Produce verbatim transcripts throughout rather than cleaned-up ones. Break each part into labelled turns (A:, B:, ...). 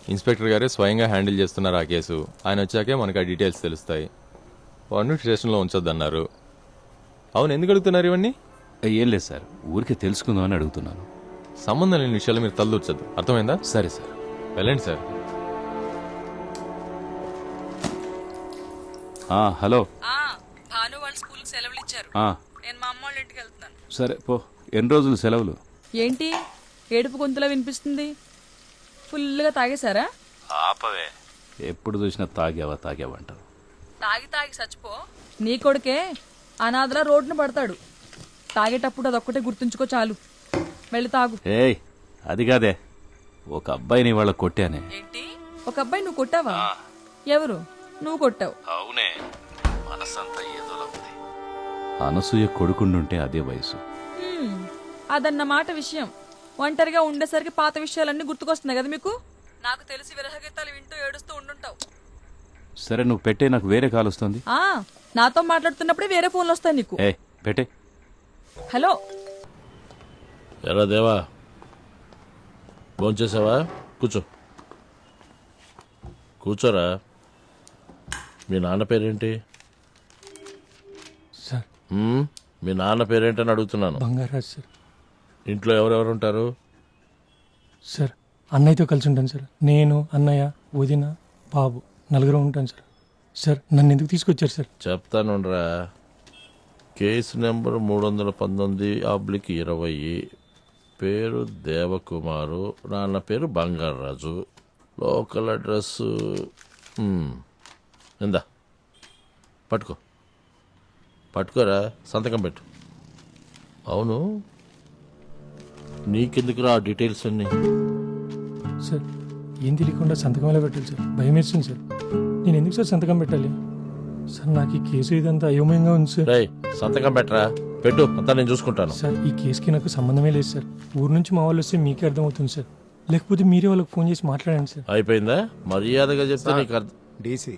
A: Inspector గారే స్వయంగా handle చేస్తున్నారు ఆ కేసు. ఆయన వచ్చాకే మనకు ఆ డీటెయిల్స్ తెలుస్తాయి. వాడిని స్టేషన్లో ఉంచొద్దన్నారు. అవును, ఎందుకు అడుగుతున్నారు ఇవన్నీ?
B: ఏం లేదు సార్, ఊరికే తెలుసుకుందామని అడుగుతున్నాను.
A: సంబంధం లేని విషయాలు మీరు తలదూర్చొద్దు, అర్థమైందా?
B: సరే సార్.
A: వెళ్ళండి సార్.
B: హలో.
C: భాను వాళ్ళ స్కూల్కి సెలవులు ఇచ్చారు. నేను మా అమ్మ వాళ్ళ ఇంటికి వెళ్తున్నాను.
B: సరే పో. ఎన్ని రోజులు సెలవులు?
C: ఏంటి ఏడుపు గొంతులా వినిపిస్తుంది? ఫుల్గా తాగేశారా?
B: ఆపవే, ఎప్పుడు చూసినా తాగావా తాగావా అంటారు.
C: తాగి తాగి చచ్చిపో. నీ కొడుకే అనాథలా రోడ్డున పడతాడు. తాగేటప్పుడు అదొక్కటే గుర్తుంచుకో చాలు. వెళ్ళి తాగు.
B: ఏయ్, అది కాదే, ఒక అబ్బాయిని వాళ్ళ కొట్టానే.
C: ఏంటి, ఒక అబ్బాయి నువ్వు కొట్టావా? ఎవరు? నువ్వు కొట్టావు?
B: అవునే, మనసంతా ఏదోలా ఉంది. అనసూయ కొడుకుండుంటే అదే వయసు.
C: హ్మ్, అదన్నమాట విషయం. ఒంటరిగా ఉండేసరికి పాత విషయాలన్నీ గుర్తుకొస్తున్నాయి కదా మీకు? నాకు తెలిసి విరహగీతాలు వింటూ ఏడుస్తూ ఉండుంటావు.
B: సరే నువ్వు పెట్టే, నాకు వేరే కాల్ వస్తుంది.
C: ఆ, నాతో మాట్లాడుతున్నప్పుడే వేరే ఫోన్లు వస్తాయి నీకు.
B: ఏ పెట్టే.
C: హలో.
D: ఎరా దేవా, భోంచేసావా? కూర్చో కూర్చోరా. మీ నాన్న పేరేంటి?
E: సార్,
D: మీ నాన్న పేరేంటని అడుగుతున్నాను.
E: బంగారాజ్ సార్.
D: ఇంట్లో ఎవరెవరు ఉంటారు?
E: సార్, అన్నయ్యతో కలిసి ఉంటాను సార్. నేను, అన్నయ్య, వదిన, బాబు నలుగురు ఉంటాను సార్. సార్, నన్ను ఎందుకు తీసుకొచ్చారు సార్?
D: చెప్తానురా. కేసు నెంబర్ మూడు వందల పంతొమ్మిది ఆబ్లిక్ ఇరవై, పేరు దేవకుమారు, నాన్న పేరు బంగారాజు, లోకల్ అడ్రస్ ఇందా పట్టుకో పట్టుకోరా, సంతకం పెట్టు. అవును, నీకెందుకురా ఆ డీటెయిల్స్ అన్నీ?
E: సార్, ఏం తెలియకుండా సంతకం ఎలా పెట్టాలి సార్? భయం వేస్తుంది సార్. నేను ఎందుకు సార్ సంతకం పెట్టాలి? సార్, నాకు ఈ కేసు ఇదంతా అయోమయంగా ఉంది సార్.
D: రేయ్, సంతకం పెట్టరా, పెట్టు, అంతా నేను చూసుకుంటాను.
E: సార్, ఈ కేసుకి నాకు సంబంధమే లేదు సార్. ఊరు నుంచి మా వాళ్ళు వస్తే మీకే అర్థమవుతుంది సార్, లేకపోతే మీరే వాళ్ళకి ఫోన్ చేసి మాట్లాడండి సార్.
D: అయిపోయిందా? మర్యాదగా చెప్తే నీకు అర్థం.
F: డీసీ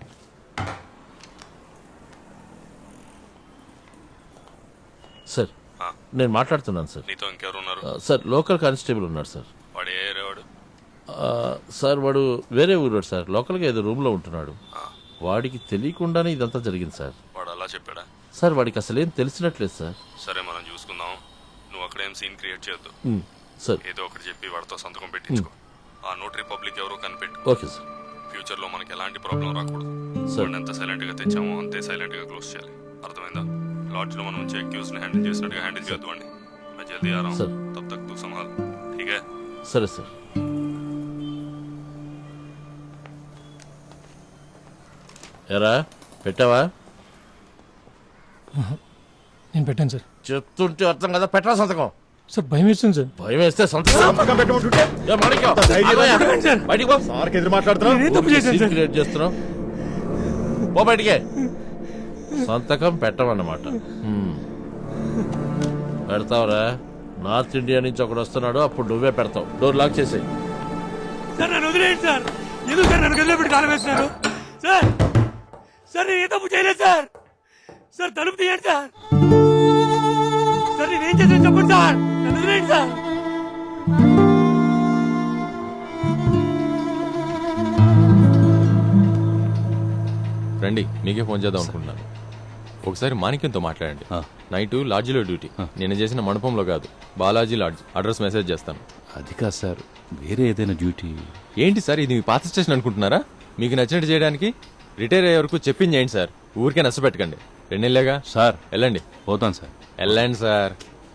D: సార్, నేను మాట్లాడుతున్నాను సార్.
B: నీతో ఇంకెవరు ఉన్నారు?
D: సార్, లోకల్ కానిస్టేబుల్ ఉన్నాడు సార్.
B: వాడు ఏ ఏరేవాడు?
D: సార్, వాడు వేరే ఊరు సార్. లోకల్గా ఏదో రూమ్లో ఉంటున్నాడు. వాడికి తెలియకుండానే ఇదంతా జరిగింది సార్.
B: వాడు అలా చెప్పాడా?
D: సార్, వాడికి అసలేం తెలిసినట్లేదు సార్.
B: సరే, మనం చూసుకుందాం. నువ్వు అక్కడేం సీన్ క్రియేట్ చేయొద్దు.
D: సార్,
B: ఏదో ఒకటి చెప్పి వాడితో సంతకం పెట్టించుకో. ఆ నోటరీ పబ్లిక్ ఎవరో కనిపెట్టు.
D: Okay sir.
B: ఫ్యూచర్ లో మనకి ఎలాంటి ప్రాబ్లం రాకూడదు.
D: సార్,
B: ఎంత సైలెంట్ గా తెచ్చామో అంతే సైలెంట్ గా క్లోజ్ చేయాలి. అర్థమైందా? లాడ్జ్ లో మనం వచ్చే అక్యూజ్ ని హ్యాండిల్ చేసినట్టుగా హ్యాండిల్ చేయొద్దు అండి. मैं जल्दी आ रहा हूँ, तब तक तू संभाल, ठीक है?
D: సరే సార్. ఎరా పెట్టావా?
E: నేను పెట్టాను సార్.
D: చెప్తుంటే అర్థం కదా, పెట్టరా సంతకం.
E: సార్, భయం వేస్తుంది సార్.
D: భయం వేస్తే సంతకం పెట్టమంటుంటే ఏ మాణిక్యం, బయటికి పో.
F: సార్కి ఎదురు మాట్లాడుతున్నావు.
E: నేను తప్పు చేశాను సార్.
D: క్రియేట్ చేస్తున్నావు, పో బయటికే. సంతకం పెట్టమన్నమాట. హ్మ్. పెడతావురా. నార్త్ ఇండియా నుంచి ఒకడు వస్తున్నాడు, అప్పుడు నువ్వే పెడతావు. డోర్ లాక్ చేసేయి.
E: సార్, నన్ను వదిలేయండి సార్. ఎందుకు సార్ నన్ను గదిలో పెట్టి తాళం వేస్తున్నారు? సార్, సార్, నేను ఏ తప్పు చేయలేదు సార్. సార్, తలుపు తీయండి సార్. సార్, నేనేం చేశాను చెప్పండి సార్. నన్ను వదిలేయండి సార్.
A: రండి, మీకే ఫోన్ చేద్దాం అనుకుంటున్నాను. ఒకసారి మాణిక్యంతో మాట్లాడండి. నైట్ లాడ్జిలో డ్యూటీ. నేను చేసిన మండపంలో కాదు, బాలాజీ లాడ్జ్. అడ్రస్ మెసేజ్ చేస్తాను.
B: అది కాదు సార్, వేరే ఏదైనా డ్యూటీ.
A: ఏంటి సార్, ఇది మీ పాత స్టేషన్ అనుకుంటున్నారా? మీకు నచ్చినట్టు చేయడానికి రిటైర్ అయ్యే వరకు చెప్పింది చేయండి సార్. ఊరికే నష్టపెట్టకండి. రెండేళ్ళేగా
B: సార్.
A: వెళ్ళండి.
B: పోతాను సార్.
A: వెళ్ళండి సార్.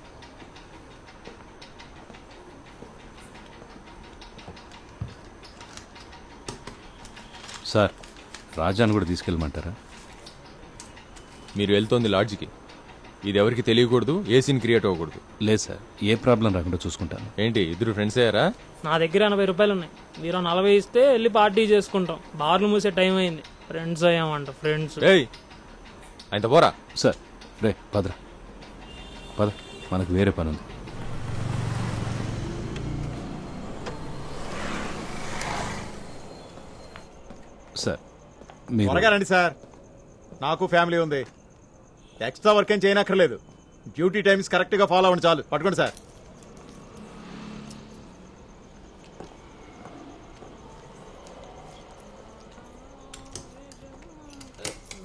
B: సార్, రాజాను కూడా తీసుకెళ్ళమంటారా?
A: మీరు వెళ్తోంది లాడ్జికి. ఇది ఎవరికి తెలియకూడదు, ఏ సీన్ క్రియేట్ అవ్వకూడదు.
B: లేదు సార్, ఏ ప్రాబ్లం రాకుండా చూసుకుంటాను.
A: ఏంటి, ఇద్దరు ఫ్రెండ్స్ అయ్యారా?
G: నా దగ్గర ఎనభై రూపాయలు ఉన్నాయి. మీరు నలభై ఇస్తే వెళ్ళి పార్టీ చేసుకుంటాం. బార్లు మూసే టైం అయింది. ఫ్రెండ్స్ అయ్యామంట, ఫ్రెండ్స్.
A: ఏయ్, ఆయన పోరా.
B: సార్, రే పదరా, పద, మనకు వేరే పని ఉంది. సార్, మీరు
F: త్వరగా రండి సార్. నాకు ఫ్యామిలీ ఉంది. ఎక్స్ట్రా వర్క్ ఏం చేయనక్కర్లేదు. డ్యూటీ టైమ్స్ కరెక్ట్గా ఫాలో అవ్వండి చాలు. పట్టుకోండి సార్.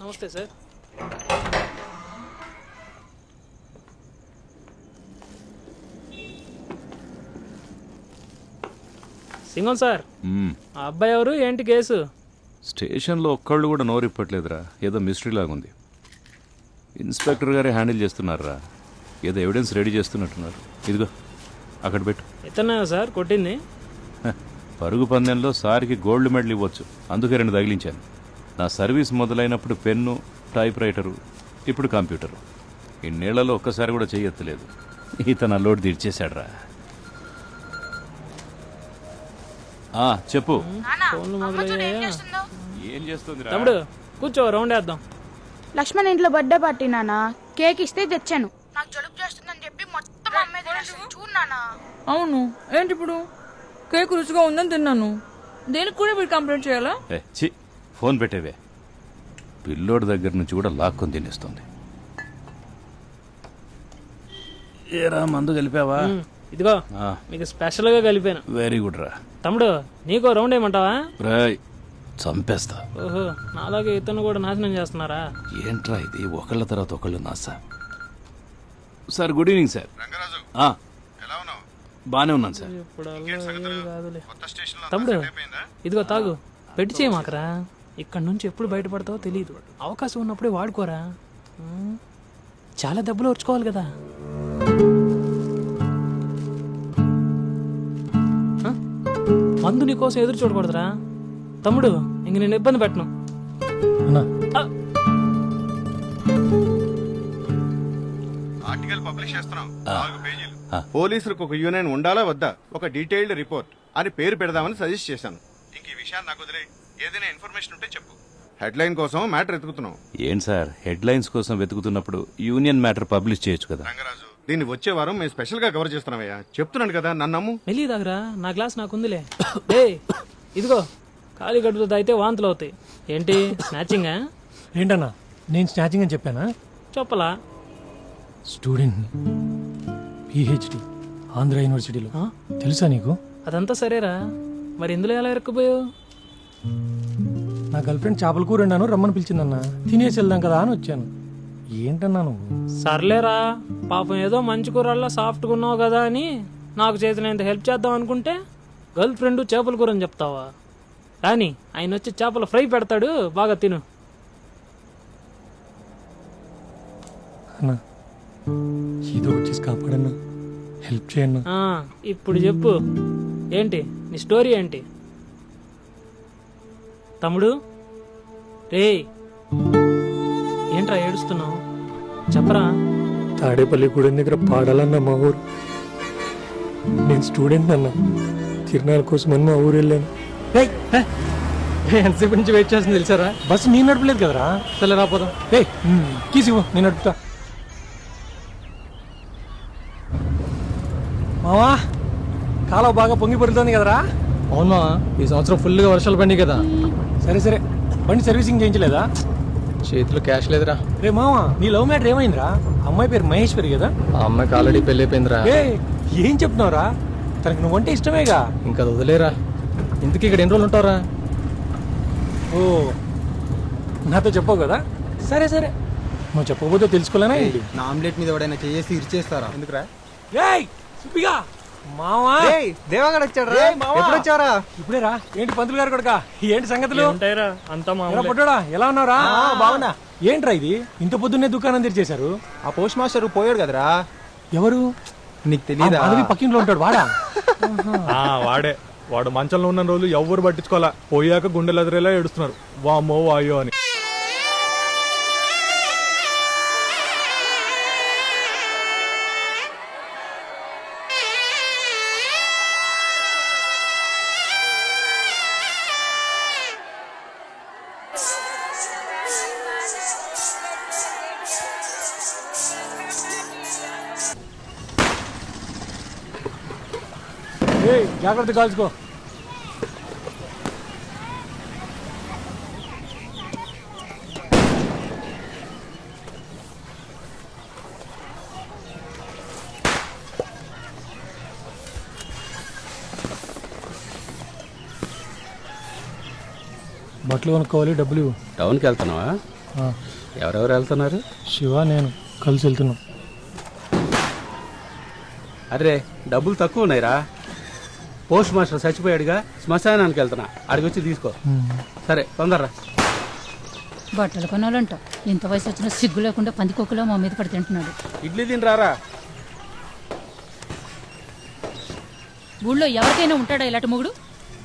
G: నమస్తే సార్. సింగం సార్, ఆ అబ్బాయి ఎవరు, ఏంటి కేసు?
H: స్టేషన్లో ఒక్కళ్ళు కూడా నోరిప్పట్లేదురా, ఏదో మిస్టరీ లాగుంది. ఇన్స్పెక్టర్ గారే హ్యాండిల్ చేస్తున్నారా, ఏదో ఎవిడెన్స్ రెడీ చేస్తున్నట్టున్నారు. ఇదిగో అక్కడ పెట్టు.
G: ఇతనే సార్ కొట్టింది?
H: హ, పరుగు పందెంలో సార్కి గోల్డ్ మెడల్ ఇవ్వచ్చు, అందుకే రెండు తగిలించాను. నా సర్వీస్ మొదలైనప్పుడు పెన్ను, టైప్ రైటరు, ఇప్పుడు కంప్యూటరు. ఇన్నేళ్లలో ఒక్కసారి కూడా చెయ్యెత్తలేదు. ఇతను అల్లోడు తీర్చేశాడ్రా. ఆ, చెప్పు.
G: ఫోన్లు మొదలయ్యాయా?
H: ఏం చేస్తుంది
G: తమ్ముడు కూర్చో, రౌండ్ వేద్దాం.
I: లక్ష్మణ్ ఇంట్లో బర్త్డే పార్టీ నానా, కేక్ ఇస్తే తెచ్చాను. నాకు జలుబు చేస్తుందని చెప్పి మొత్తం అమ్మే తినేస్తుంది. చూడు నానా.
C: అవును, ఏంటి ఇప్పుడు? కేక్ రుచిగా ఉందని తిన్నాను, దేనికి కూడా మీరు కంప్లైంట్ చేయాలా?
H: ఏ చి ఫోన్ పెట్టేవే. పిల్లోడి దగ్గర నుంచి కూడా లాక్కొని తినేస్తుంది. ఏరా మందు కలిపావా?
G: ఉమ్, ఇదిగో మీకు స్పెషల్ గా కలిపాను.
H: వెరీ గుడ్ రా.
G: తమ్ముడు నీకో రౌండ్ ఏమంటావా?
H: రాయ్ చంపేస్తా.
G: ఓహో, నాలాగే ఇతను కూడా నాశనం చేస్తున్నారా?
H: ఏంట్రా ఇది, ఒకళ్ళ తర్వాత ఒకళ్ళు నాసా. Sir good evening sir. ఆ, బానే ఉన్నాను సార్.
G: ఇప్పుడు కాదులే. తమ్ముడు ఇదిగో తాగు, పెట్టి చేయమాకరా. ఇక్కడ నుంచి ఎప్పుడు బయటపడతావో తెలియదు, అవకాశం ఉన్నప్పుడే వాడుకోరా. ఉమ్, చాలా దెబ్బలు వచ్చుకోవాలి కదా. ఆ? మందు నీ కోసం ఎదురు చూడకూడదురా తమ్ముడు, ఇంక నేను ఇబ్బంది పెట్టను. ఆ,
F: ఆర్టికల్ పబ్లిష్ చేస్తున్నాం, నాలుగు పేజీలు. పోలీసులకు ఒక యూనియన్ ఉండాలా వద్దా, ఒక డీటెయిల్డ్ రిపోర్ట్ అని పేరు పెడదామని సజెస్ట్ చేశాను. ఇంక ఈ విషయాన్ని నాకు వదిలే, ఏదైనా ఇన్ఫర్మేషన్ ఉంటే చెప్పు. హెడ్లైన్ కోసం మ్యాటర్ ఎత్తుకుతున్నాం.
H: ఏం సార్, హెడ్ లైన్స్ కోసం వెతుకుతున్నప్పుడు యూనియన్ మ్యాటర్ పబ్లిష్ చేయొచ్చు కదా.
F: రంగరాజు, దీన్ని వచ్చే వారం మేము స్పెషల్ గా కవర్ చేస్తున్నామయ్యా. చెప్తున్నాను కదా, నన్ను నమ్ము.
G: మెల్లి దాగరా, నా గ్లాస్ నాకుందిలే. ఏ ఇదిగో, ఖాళీ గడుపుతో తాగితే వాంతులు అవుతాయి. ఏంటి స్నాచింగా?
E: ఏంటన్నా నేను స్నాచింగ్ అని చెప్పానా?
G: చెప్పలా.
E: స్టూడెంట్ని, పిహెచ్డి ఆంధ్ర యూనివర్సిటీలో.
G: ఆ?
E: తెలుసా నీకు?
G: అదంతా సరేరా, మరి ఇందులో ఎలా ఇరుక్కుపోయావు?
E: నా గర్ల్ ఫ్రెండ్ చేపల కూర అన్నాను, రమ్మని పిలిచిందన్నా, తినేసి వెళ్దాం కదా అని వచ్చాను. ఏంటన్నా నువ్వు?
G: సర్లేరా, పాపం ఏదో మంచి కూరల్లో సాఫ్ట్గా ఉన్నావు కదా అని నాకు చేతినంత హెల్ప్ చేద్దాం అనుకుంటే గర్ల్ ఫ్రెండ్ చేపల కూర అని చెప్తావా? కానీ ఆయన వచ్చి చేపల ఫ్రై పెడతాడు, బాగా తిను.
E: అన్నా ఏదో ఒకటి చేసి కాపాడన్నా, హెల్ప్ చేయన్నా.
G: ఆ, ఇప్పుడు చెప్పు, ఏంటి నీ స్టోరీ ఏంటి? తమ్ముడు రే, ఏంట్రా ఏడుస్తున్నావు? చెప్పరా.
E: తాడేపల్లి గుడి దగ్గర పాడాలన్నా మా ఊరు. నేను స్టూడెంట్ అన్నా, తిరునాళ్ళ కోసం అని మా ఊరు వెళ్ళాను. ఎంతసేపు నుంచి వెయిట్ చేస్తుంది తెలుసారా? బస్సు నేను నడపలేదు కదరా. సరే రాపోదాం. ఏ కీసి ఇవ్వు, నేను నడుపుతా. మావా, కాలువ బాగా పొంగి పడుతుంది కదరా?
J: అవునా, ఈ సంవత్సరం ఫుల్గా వర్షాలు పడినాయి కదా.
E: సరే సరే, బండి సర్వీసింగ్ చేయించలేదా?
J: చేతిలో క్యాష్ లేదురా.
E: రే మావా, నీ లవ్ మ్యాటర్ ఏమైందిరా? అమ్మాయి పేరు మహేశ్వరి కదా?
J: ఆ అమ్మాయికి ఆల్రెడీ పెళ్లి అయిపోయిందిరా.
E: ఏ ఏం చెప్తున్నావురా? తనకి నువ్వంటే ఇష్టమేగా.
J: ఇంకా అది వదిలేరా. ఇంతకీ ఇక్కడ ఎన్ని రోజులు ఉంటావురా?
E: ఓ, నాతో చెప్పవు కదా? సరే సరే, నువ్వు చెప్పకపోతే తెలుసుకోలేనా ఏంటి?
J: నా ఆమ్లెట్ మీద ఎవడైనా చేసి ఇరిచేస్తారా? ఎందుకురా?
E: రేయ్ సుబ్బిగా, మావా
J: దేవాగడ వచ్చాడు రా. ఎప్పుడు వచ్చారా?
E: ఇప్పుడేరా. ఏంటి పంతులు గారు కొడుకా, ఏంటి సంగతులు?
G: ఉంటాయిరా, అంతా
E: ఎలా
G: మామూలే.
E: పొట్టోడా, ఎలా ఉన్నారా? బాగున్నా. ఏంట్రా ఇది, ఇంత పొద్దున్నే దుకాణం తెరిచేశారు?
J: ఆ పోస్ట్ మాస్టర్ పోయాడు కదరా.
E: ఎవరు?
J: నీకు తెలీదా?
E: అడవి పక్కింట్లో ఉంటాడు వాడా?
K: వాడే. వాడు మంచంలో ఉన్న రోజులు ఎవ్వరు పట్టించుకోవాలా, పోయాక గుండెలు ఎదురేలా ఏడుస్తున్నారు, వామ్మో వాయో అని.
E: ఏయ్ జాగ్రత్త కాల్చుకో. బట్టలు కొనుక్కోవాలి, డబ్బులు ఇవ్వు.
J: టౌన్కి వెళ్తున్నావా?
E: ఎవరెవరు వెళ్తున్నారు?
K: శివ నేను కలిసి వెళ్తున్నాం.
E: అరే డబ్బులు తక్కువ ఉన్నాయిరా. పోస్ట్ మాస్టర్ చచ్చిపోయాడుగా, శ్మశానానికి వెళ్తున్నా, అడిగి వచ్చి తీసుకో. సరే తొందరరా.
I: బట్టలు కొనాలంట, ఇంత వయసు వచ్చిన సిగ్గు లేకుండా పందికొక్కులో మా మీద పడి తింటున్నాడు.
E: ఇడ్లీ తినరారా.
I: ఊళ్ళో ఎవరికైనా ఉంటాడా ఇలాంటి మొగుడు?